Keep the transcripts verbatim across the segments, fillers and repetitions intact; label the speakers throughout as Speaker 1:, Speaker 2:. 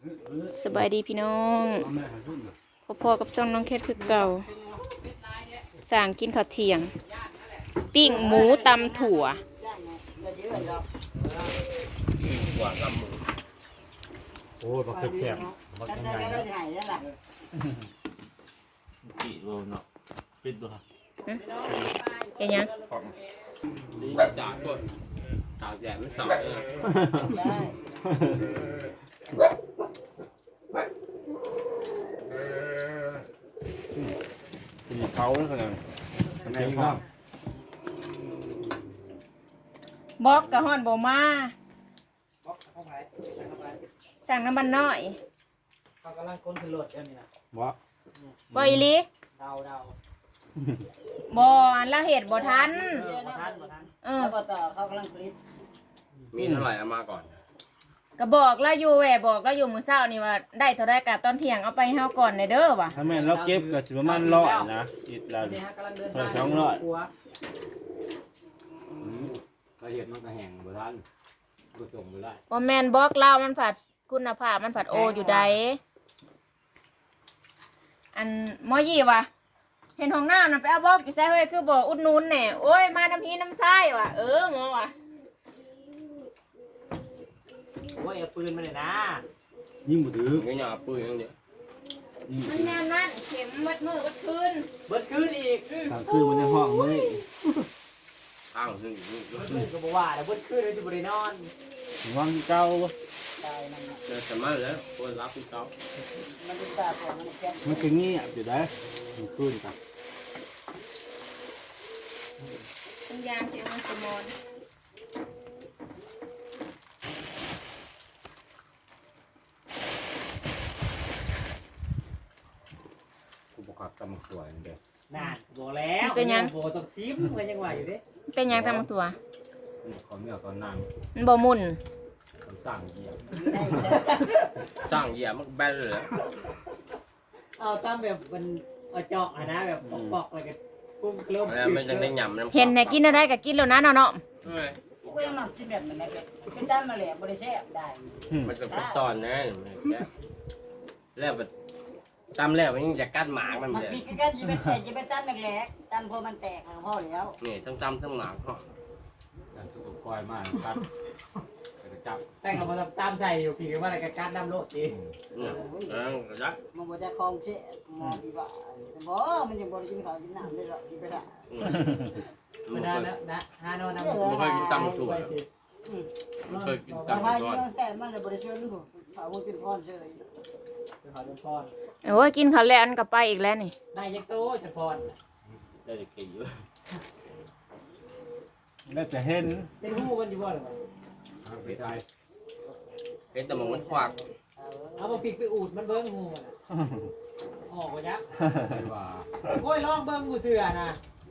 Speaker 1: สบายดีพี่น้องพ่อๆกับซ่องน้องแคทคือเก่าสั่งกินข้าวเที่ยงปิ้งหมูตำถั่ว
Speaker 2: หัวกำมือ
Speaker 3: โอ้บักแคบๆบักใหญ่ๆกี่โลเนาะปิดดูครับ
Speaker 1: เห็นยัง
Speaker 2: นี่จากก็จากแย่ไม่สาวเลย
Speaker 3: มีเขาแล้วกันมันเป็นข้าว
Speaker 1: บอกกะฮอนบ่มาสั่งน้ำมันน้อย
Speaker 4: เขากำลังก้นขึ้นรถเดี๋ยวนี้นะ
Speaker 3: บ่
Speaker 1: บ่อีหลี
Speaker 4: เดาเดา
Speaker 1: บ่อันละเหตุบ่ทัน
Speaker 4: บ่ทันบ่ทัน
Speaker 1: เออ
Speaker 4: แล้วก็ต่อเขากำลังผลิต
Speaker 2: มีเท่าไหร่เอามาก่อน
Speaker 1: ก็บอกแล้วอยู่แหวบอกแล้วอยู่มื้อเช้านี่ว่าได้เท่าใดกะตอนเที่ยงเอาไปให้เฮาก่อนในเด้อว่ะ
Speaker 3: ถ้าแม่นเราเก็บก็สิประมาณร้อยนะอีกแล้ว
Speaker 4: นี่ฮะกำลังเดิน
Speaker 3: เออสองร้อย
Speaker 2: ละเอียดมันก็แห้งบ่ทันก็ส่งบ่ได้
Speaker 1: บ่แม่นบอกเล่ามันผัดคุณภาพมันผัดโออยู่ใดอันหมอยี่ว่ะเห็นห้องน้ำน่ะไปเอาบอกอยู่ไสเฮ้ยคือบ่อุดหนุนแหน่โอ้ยมาน้ำพีน้ำทรายว่ะเออหมอว่ะ
Speaker 4: โอ้ยเอาปืนมาเลยนะ
Speaker 3: ยิ่งบ่ถือ
Speaker 2: ไม่ยอมปืนอย่างเดียว
Speaker 1: มันแน่นนั่นเข็มมัดมือมัดคืน
Speaker 4: เบิดคืนอีก
Speaker 3: ทางคือมันในห้องมื้อ
Speaker 2: ข้างซึ่งนี่
Speaker 4: เบิดคืนก็บ่ว่าแต่เบิดคืนเลยจะบ่ได้นอน
Speaker 3: วางเก่า
Speaker 4: ตายมัน
Speaker 2: เจอสมัยแล้วคนรับพี่เขา
Speaker 4: มันเป็นตาตัวมันแก่
Speaker 3: มันก็เงียบอยู่ได้มันคืนครับ
Speaker 1: คุณยามเสียงมันสมอน
Speaker 2: กูบอกขับตำสวยเดียว
Speaker 4: น่าบอกแล้วโบต้องซิมกันยังว่าอยู่ดิ
Speaker 1: เป็นยังทำตัว
Speaker 2: ขอเนื้อตอนนั่ง
Speaker 1: มันบ่มุน
Speaker 2: สั่งเหยียบสั่งเหยียบมันแบนเลย
Speaker 4: เอาตามแบบมันเอาเจาะนะแบบปอกๆแล้วก็ปุ้มกลม
Speaker 2: แล้วมันจะได้หยำน้ำ
Speaker 1: เห็นไหนกินอะไรก็กินแล้วนะเนาะเนาะ
Speaker 4: ก็ยังมากินแบบนั้นนะเป็นด้านมาแหลมบ่ได้แซ่บได้
Speaker 2: มันจะเป็นตอนนะแล้วแบบตำแล้วมันยังจะกัดหมากมัน
Speaker 4: มัน
Speaker 2: เลย
Speaker 4: มีกันจะเป็นแต่จะเป็นด้านแหลกด้านพอมันแตกพ่อแล้ว
Speaker 2: นี่ทั้งตำทั้งหมากเขาอย่างถูกคอยมากครับจะจับ
Speaker 4: แต่งกับมันตามใจอยู่พี่ว่าอะไรกันการดำโลดดี
Speaker 2: เนี่ยเออจับ
Speaker 4: มันบ่จะคลองเช่มองดีว่าบ่มันยังบ่ได้กินข้าวกินน้ำได้หรอกกินไปละไม่ได้แล้วนะฮานอนน้ำ
Speaker 2: ไม่เคยกินตำถั่วไม่เคยกิน
Speaker 4: ตำ
Speaker 2: ตำ
Speaker 4: ไทย
Speaker 2: ถั่ว
Speaker 4: ยังแซ่บมันเลยบ่ได้เชิญลูกข้าวกินพรเฉยข้าวกินพร
Speaker 1: โอ้ยกินข้าวแล้วอันก็ไปอีกแล้วนี่
Speaker 4: ได้ยักโตจะพร
Speaker 2: ได้แต่กี่เยอะ
Speaker 3: แล้วจะเห็น
Speaker 4: เป็นหูมันอยู่บ่หรือเปล่า
Speaker 2: ไปไทยเป็นแต่มันมันควัก
Speaker 4: เอาบ่ปิกไปอูดมันเบิ่งหูมันออกบ่ยัก
Speaker 2: ว่า
Speaker 4: โอ้ยลองเบิ่งหูเสือนะ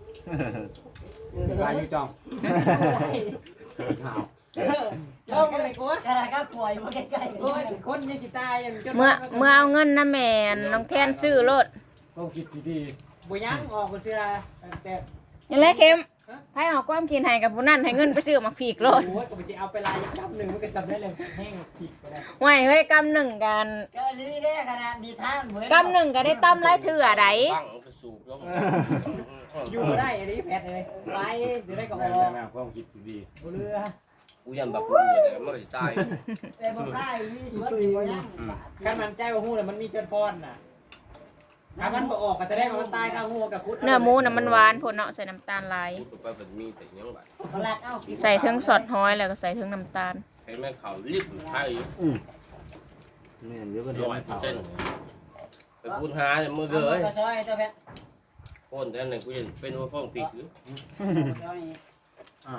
Speaker 2: ลายอยู่จอมข่าว
Speaker 4: ลองเบิ่งไอ้กูกระไรก็ป่วยมาใกล้ๆโอ้ยคนยังสิตาย
Speaker 1: เมื่อเมื่อเอาเงินนะแม่น้องแทนซื้อรถ
Speaker 3: ต้องคิดดี
Speaker 4: บ่ยังออกหูเสือแต่
Speaker 1: นี่แหละเข็มไผออกความกินให้กับผู้นั้นให้เงินไปซื้อมาผีกรถ
Speaker 4: โอ้ยก็ไปเอาไปลายกำหนึ่งมันก็จำได้เลยแห้งผิดไปแล้ว
Speaker 1: ห่วยเฮ้ยกำหนึ่งกัน
Speaker 4: ก็นี่ได้ขนาดดีทางเหมือน
Speaker 1: กำหนึ่งก็ได้ตั้มไล่เถื่อใด
Speaker 2: ตั้งกระสูบลง
Speaker 4: อยู่ได้อันนี้แพทเลยไปเดี๋ยวได้กับ
Speaker 3: ๆ
Speaker 4: อ
Speaker 3: แม่
Speaker 4: อก
Speaker 3: แม่ความคิดดี
Speaker 4: บเรือ
Speaker 2: กูยันแบบกูเลยมันก็จะตาย
Speaker 4: แต่บ่ได้มีสวนสิบ่ยังการมันใจว่าฮู้น่ะมันมีจนพรน่ะถ้ามันบ่ออกก็แสดงว่ามันตายข้างหัวกับพุทธ
Speaker 1: เนื้อหมูน่ะมันหวานโพดเนาะใส่น้ำตาลหลาย
Speaker 2: กูไปเป็นมีแต่ยังแบบ
Speaker 4: ลักเอา
Speaker 1: ใส่เทิงสอดห้อยแล้วก็ใส่เทิงน้ำตาล
Speaker 2: ให้แม่เขารีบไทย
Speaker 3: ๆอืมแม่นเดี๋ยวก็เดี๋ยว
Speaker 2: ร้อย
Speaker 3: มัน
Speaker 2: เปอ
Speaker 3: เผา
Speaker 2: ร์เซ็นต์ไปพูดหาเนี่ยมือเลย
Speaker 4: ก็ซอยเจ้าแพท
Speaker 2: คนแต่ไหนกูจะเป็นว่าฟ้องปีกหรือ
Speaker 3: อ่ะ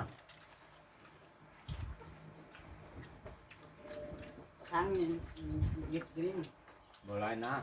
Speaker 4: ครั้งนี้ยึดดิ้ง
Speaker 3: บ่หลายนะ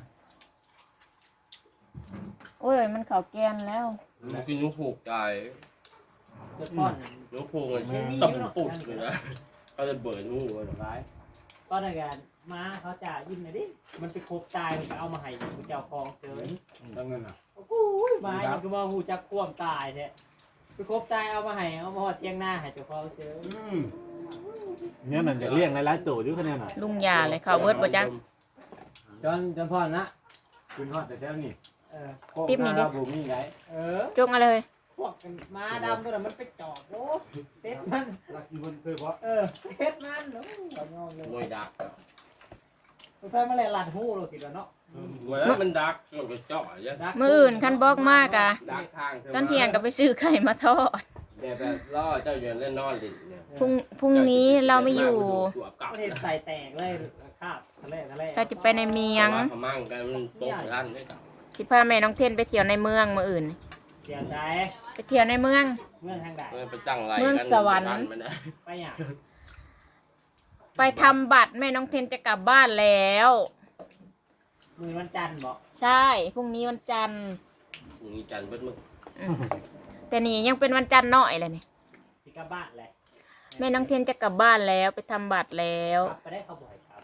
Speaker 1: โอ้ยมันเข้าแกนแล้ว
Speaker 2: มันกินนุ่งผูกตาย
Speaker 4: จนพร
Speaker 2: นุ่งผูกมันตับปุกเลยนะเขาจะเบิดงูมันร้าย
Speaker 4: ก็ในการมาเขาจ่ายิ้มหน่อยดิมันไปคบตายมันเอามาให้กูเจ้าของเจอ
Speaker 3: ตั้งเงินอ่ะ
Speaker 4: โอ้โหมาอย่างก็มาหูจักควมตายเนี่ยไปคบตายเอามาให้เอามาหอดเตียงหน้าให้เจ้าของเจอ
Speaker 3: เนี่ยนั่นจะเลี้ยงหลายๆตัวอยู่คะแนนน่ะ
Speaker 1: ลุงยาเลยเข้าเบิดบ่จ๊ะ
Speaker 3: จอนจอนพ่อนะคุณพ่อแต่แถวนี้
Speaker 4: เออ
Speaker 1: ติ๊บนี่ดิ
Speaker 3: บุมีไหน
Speaker 4: เออ
Speaker 1: จงอะไรเลย
Speaker 4: พวกม้าดำตัวนั้นมันไปจอบโอ้เต็ดมัน
Speaker 3: รักกี่คนเคยบอก
Speaker 4: เออเต็ดมันโอ้ยงงเลย
Speaker 2: มวยดัก
Speaker 4: ตัวใส่มาแลหลัดหูเราติดแล้วเนาะ
Speaker 2: มวยแล้วมันดักมันก็เจาะอย่าง
Speaker 4: ดัก
Speaker 1: มืออื่นคันบอกมากอะ
Speaker 2: ดักทาง
Speaker 1: ตอนเที่ยงก็ไปซื้อไข่มาทอด
Speaker 2: แบบแบบล่อเจ้าอยู่เล่นนอนดิเนี่ย
Speaker 1: พรุ่งพรุ่งนี้เราไม่อยู่
Speaker 4: ประเทศใส่แตกเลยคาบทะเลทะเล
Speaker 1: เราจะไปในเมียง
Speaker 2: พมั่งกันมันตกร้านได้กับ
Speaker 1: สิพาแม่น้องเทนไปเที่ยวในเมืองมืออื่น
Speaker 4: เสียใจ
Speaker 1: ไปเที่ยวในเมือง
Speaker 4: เมืองทางใด
Speaker 2: ไปตั้งไร
Speaker 1: เมืองสวรรค์
Speaker 4: ไปอย่าง
Speaker 1: ไปทำบัตรแม่น้องเทนจะกลับบ้านแล้ว
Speaker 4: มือวันจันทร์บอก
Speaker 1: ใช่พรุ่งนี้วันจันทร์
Speaker 2: มีจันทร์เบิดมึง
Speaker 1: อืมแต่นี่ยังเป็นวันจันทร์น้อยเลยนี่
Speaker 4: ที่กลับบ้านแหละ
Speaker 1: แม่น้องเทนจะกลับบ้านแล้วไปทำบัตรแล้ว
Speaker 4: ไปได้เขาบ่อยครับ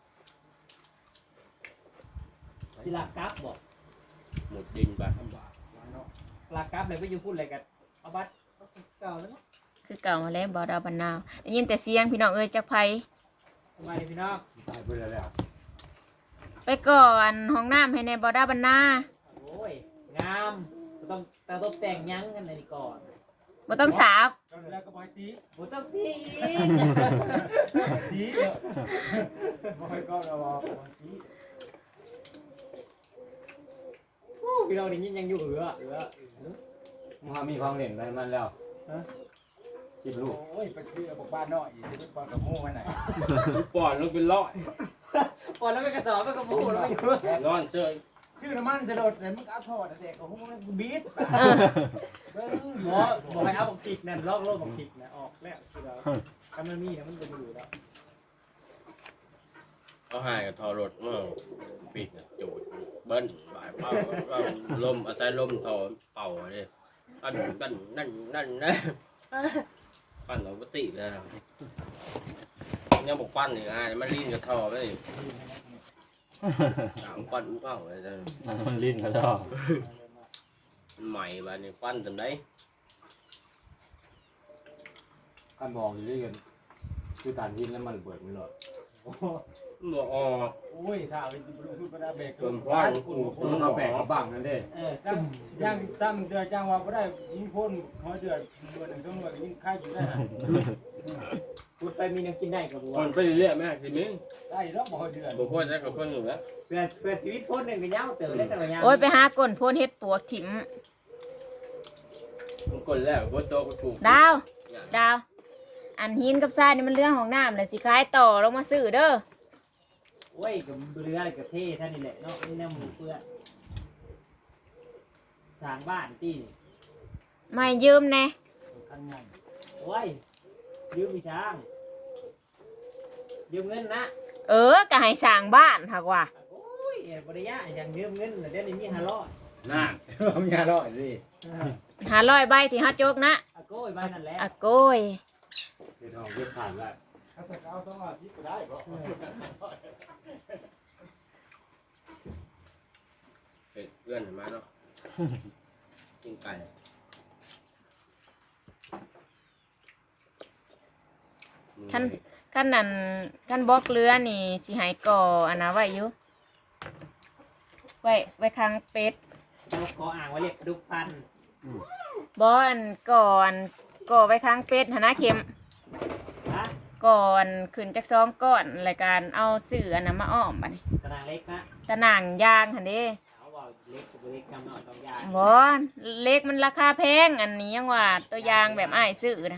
Speaker 4: ที่ลากกราฟบอก
Speaker 2: หมดดินบาทบาท
Speaker 4: ลากกราฟเลยไปอยู่พูดอะไรกันเอาบัตรเก่าแล้วเนาะ
Speaker 1: คือเก่ามาแล้วบอดาวบันนาวได้ยินแต่เสียงพี่น้องเอ้ยจากไผ
Speaker 4: สบายดีพี่น้อง
Speaker 3: ตายไปแล้ว
Speaker 1: ไปก่อนห้องน้ำให้ในบอดาวบันนา
Speaker 4: โอ้ยงามต้องแต่ต้องแต่งยั้งกันในนี้ก่อน
Speaker 1: บ่ต้องสาบ
Speaker 3: แล้วก็บอยตี
Speaker 4: บ่ต้องที่อีก
Speaker 3: ตีบอยก็เราบอกบอยตี
Speaker 4: พี่น้องนี่ยังอยู่เอือเอือ
Speaker 3: มึงมีความเล่นอะไรมันแล้วสิบลูก
Speaker 5: โอ้ยไปซื้อบอกบ้านน้อยอีกไปปอนกับหมูมาไหน
Speaker 2: ปอนลงเป็นร้อย
Speaker 4: ก่อนแล้วไปกระสอบไปกระปูแล้วไปอยู่
Speaker 2: นอนเชย
Speaker 5: ชื่อน้ำมันจะโดดเลยมึงเอาทอดเด็กของมึงบีท
Speaker 1: เออ
Speaker 5: เบิ้ง
Speaker 4: หมอบอกให้เอาบักผิกนั่นลอกโลกบักผิกนะออกแล้วคือเราถ้ามันมีนะมันจะอยู่แล้ว
Speaker 2: เอาหายกับทอรถมั่งปิดจูดเบิ้ลบ่ายเป่าลมอาศัยลมทอเป่าเลยปั้นปั้นนั่นนั่นนะปั้นเราปกติเลยยังบอกปั้นอีกอ่ะมันลิ้นกับทอไปสามปั้นเป่าเลยจ้ะ
Speaker 3: มันลิ้นกันแล้ว
Speaker 2: ใหม่บ้านนี้ปั้นจำได้
Speaker 3: การบอกอยู่ด้วยกันคือตานหินแล้วมันเปิดไม่หลอด
Speaker 2: บ่ออก
Speaker 5: โอ้ยถ้าเป็นพูดก็ได้เบรก
Speaker 2: เติมปั้นกู
Speaker 3: มันเอาแปะกับบังนั่นเด้
Speaker 4: เออ
Speaker 5: จังยังตั้งเดือจ้างว่าก็ได้ยิงพ่นหอยเดือดเดือดหนึ่งต้องเดือดยิงค่ายอยู่ได้
Speaker 4: พูดไปมีน้ำกินได้กับบัว
Speaker 2: คนไปเรื่อยๆแม่ทีนี้
Speaker 5: ได้แล้วบ่หอยเดือด
Speaker 2: บ่ควรจะกับคนอยู่แล้ว
Speaker 4: เพื่อเพื่อชีวิตพ้นหนึ่งกันยาวเต๋อได้แต่ละยาว
Speaker 1: โอ้ยไปหาก้นโพนเฮ็ดปวกถิ่ม
Speaker 2: มันคนแล้วก็โตก็ถูก
Speaker 1: ดาวดาว อันหินกับทรายนี่มันเรื่องของน้ำเลยสิขายต่อลงมาซื้อเด้อ
Speaker 4: โอ้ยกับเรืออะไรกับเท่ท่านนี่แหละเนาะนี่แนวหมูเพื่อสร้างบ้านที่
Speaker 1: ไม่ยืมแน่
Speaker 5: คันใหญ่
Speaker 4: โอ้ยยืมมีช้างยืมเงินนะ
Speaker 1: เออก็ให้สร้างบ้านหักว่า
Speaker 4: โอ้ยบริยะอย่างยืมเงินเดี๋ยวนี้มีห้าร้อย
Speaker 3: น่า
Speaker 5: ผมยาลอยสิ
Speaker 1: หาร้อยใบที่ฮัดโจกนะ
Speaker 4: อะโก้ยบ้านนั่นแหละ
Speaker 1: อะโก้ย
Speaker 3: เดี๋ยวทองเก็บขาดแล้ว
Speaker 5: ถ้าจะเอาต้องเอาที่ก็ได้บ่
Speaker 2: เฮ้ยเพื่อนมาเนาะกินไก่
Speaker 1: ขั้นขั้นนั้นขั้นบล็อกเรือนี่สิใหายก่ออันนะไว้อยู่ไว้ไว้ค้างเป็ด
Speaker 4: เราขออ่างไว้เรียกดุพัน
Speaker 1: บออันก่อนก่อไว้ค้างเป็ดหนนะเข็ม
Speaker 4: ฮะ
Speaker 1: ก่อนขึ้นจากซองก้อนรายการเอาสื่ออันนั้นมาอ้อมบัดนี้
Speaker 4: ตารางเล็กนะ
Speaker 1: ตะหน่างยางหันเด้
Speaker 4: เขาบอกเล็กกับเล็กจำหน่อยต้องยาง
Speaker 1: บอเล็กมันราคาแพงอันนี้ยังว่าตัวยางแบบอ้ายซื้อนะ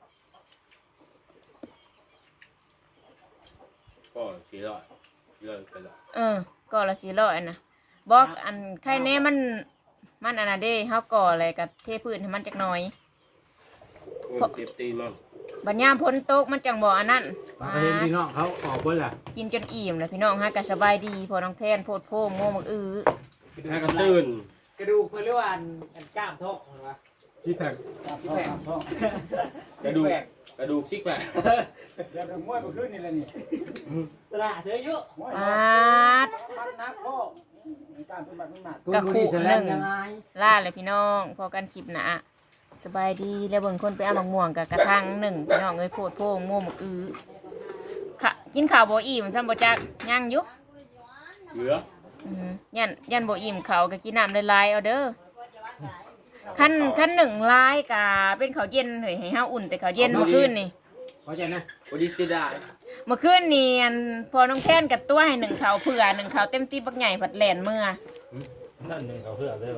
Speaker 2: ก็สี่ร้อยสี่ร้อยไปละ
Speaker 1: เออก่อละสี่ร้อยนะบอกอันใครแน่มันมันอันนั้นเด้เฮาก่ออะไรกับเทพื้นให้มันจักหน่อย
Speaker 2: คนเจ็บตีมั่ง
Speaker 1: บัดยามพ้นตกมันจังบ่อันนั้น
Speaker 3: มาเห็นพี่น้องเขาออกเบิ้ลล่ะ
Speaker 1: กินจนอิ่มแล้วพี่น้องฮะก็สบายดีพอน้องแทนโพดโพงโง่มักอื้อ
Speaker 2: ให้กระตื่น
Speaker 4: กระดูกเพื่อเรียกว่าอันอันกล้ามทอกเหรอวะ
Speaker 3: ที่แตก
Speaker 5: ที่แปดท้อง
Speaker 2: กระดูกกระดูกซิกแปะ
Speaker 5: เดี๋ยวมวยมาขึ้นนี่แหละนี่
Speaker 4: ตลาดเสือเยอะ
Speaker 5: มวย
Speaker 1: ปาด
Speaker 5: มันนักพ่อการเป็นบัตรมันหนัก
Speaker 1: กะขู่หนึ่งล่าเลยพี่น้องพอกันคลิปหนะสบายดีแล้วเบิ่งคนไปเอามะม่วงกับกระทังหนึ่งพี่น้องเอ้ยโพดโพงโง่มักอื้อค่ะกินข้าวบ่อิ่มซ้ำบ่จักย่างอยู่
Speaker 2: เหลือ
Speaker 1: อืมยันยันบ่อิ่มเขาวก็กินน้ำหลายๆเอาเด้อคันคันหนึ่งลายกะเป็นข้าวเย็นเฮ้ยให้เฮาอุ่นแต่ข้าวเย็นเมื่อคืนนี่
Speaker 4: เข้าใจนะ
Speaker 2: วันนี้จะได้
Speaker 1: เมื่อคืนนี่อันพอน้องแค้นกับตัวให้หนึ่งเขาวเผื่อหนึ่งเขาวเต็มที่บักใหญ่ผัดแหลนเมื่อ
Speaker 5: นั่นหนึ่งเขาเพื่อเลย